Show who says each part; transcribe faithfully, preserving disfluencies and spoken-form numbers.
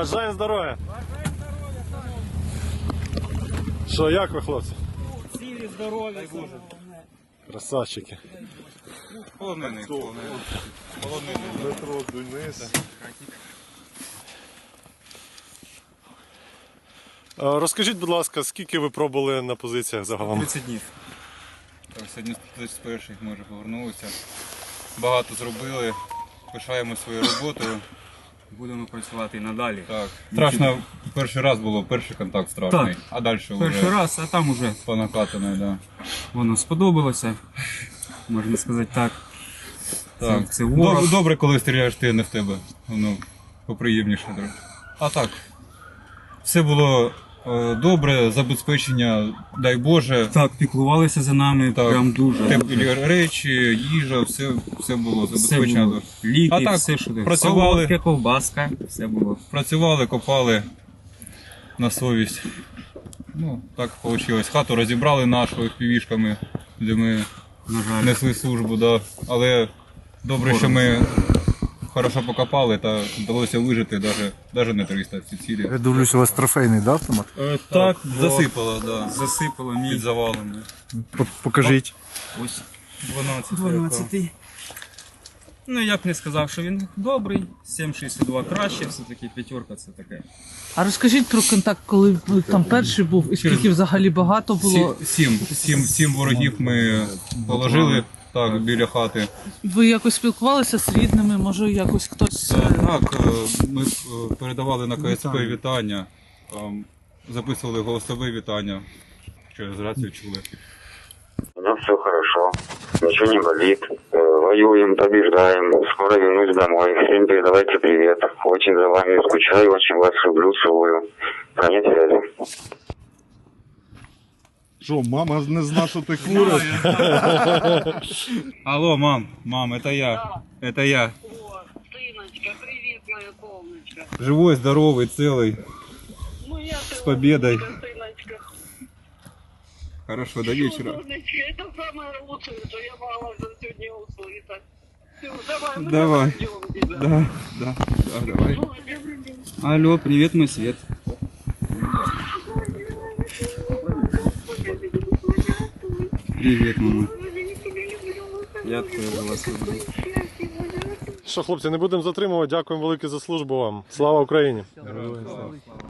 Speaker 1: Бажаю здоров'я! Що, як ви, хлопці?
Speaker 2: Цілі, здоров'я,
Speaker 1: Красавчики.
Speaker 3: Полонений, полонений. Полонений.
Speaker 1: Метро Донець. Розкажіть, будь ласка, скільки ви пробули на позиціях загалом?
Speaker 3: тридцять днів. Так, сьогодні з тридцять перших ми вже повернулися. Багато зробили, пишаємо своєю роботою.
Speaker 2: будемо працювати і надалі.
Speaker 3: Так. Страшно, перший раз було, перший контакт страшний,
Speaker 2: Так.
Speaker 3: а далі вже
Speaker 2: Перший раз, а там уже
Speaker 3: по накатаній, да.
Speaker 2: воно сподобалося, можна сказати так.
Speaker 3: Так.
Speaker 2: Це, це ворог.
Speaker 3: Доб- Добре, коли стріляєш ти, не в тебе. Воно поприємніше. трохи. А так, все було е, добре, забезпечення, дай Боже.
Speaker 2: Так, піклувалися за нами,
Speaker 3: Так.
Speaker 2: прям дуже.
Speaker 3: Теплі речі, їжа, все, все було
Speaker 2: Все
Speaker 3: забезпечено.
Speaker 2: було. Ліки,
Speaker 3: А так,
Speaker 2: все, що ти.
Speaker 3: працювали.
Speaker 2: Солодке, ковбаска, все було.
Speaker 3: Працювали, копали на совість. Ну, так вийшло. Хату розібрали нашу півішками, де ми
Speaker 2: На жаль.
Speaker 3: несли службу, да. Але добре, що ми хорошо покопали та вдалося вижити навіть, навіть не триста ці цілі.
Speaker 4: Я дивлюсь, у вас трофейний, да, автомат?
Speaker 2: Е, так,
Speaker 3: Засипало, да.
Speaker 2: засипало мій.
Speaker 3: Під завалами.
Speaker 4: П- Покажіть.
Speaker 2: Ось
Speaker 3: дванадцять.
Speaker 2: дванадцятий. Ну, я б не сказав, що він добрий. сім шістдесят два краще, все-таки п'ятерка це таке.
Speaker 5: А розкажіть про контакт, коли ви там перший був, і скільки взагалі багато було.
Speaker 3: Сім, сім, сім, сім ворогів ми положили так, біля хати.
Speaker 5: Ви якось спілкувалися з рідними, може якось хтось.
Speaker 3: Та, Так, е, ми е, передавали на КСП вітання, там, записували голосове вітання, через рацію чули.
Speaker 6: У нас все хорошо, ничего не болит, э, воюем, побеждаем, скоро вернусь домой, всем передавайте привет, очень за вами скучаю, очень вас люблю, целую, конец связи.
Speaker 4: Що, мама не зна, що ти куриш?
Speaker 3: Алло, мам, мам, это я, это я.
Speaker 7: О, сыночка, привет, моя солнышко.
Speaker 3: Живой, здоровый, целый,
Speaker 7: Моя
Speaker 3: с победой.
Speaker 7: сыночка.
Speaker 3: Хорошо, до вечера.
Speaker 7: Солнышко, это самое лучшее, что я могла за сегодня услышать. Все, давай, мы
Speaker 3: Давай.
Speaker 7: ждем тебя.
Speaker 3: Да, да, да, давай.
Speaker 2: Алло, привіт, мій світ. Привіт, мама. Я теж вас люблю.
Speaker 1: Що, хлопці, не будемо затримувати. Дякуємо велике за службу вам. Слава Україні!
Speaker 3: Героям слава.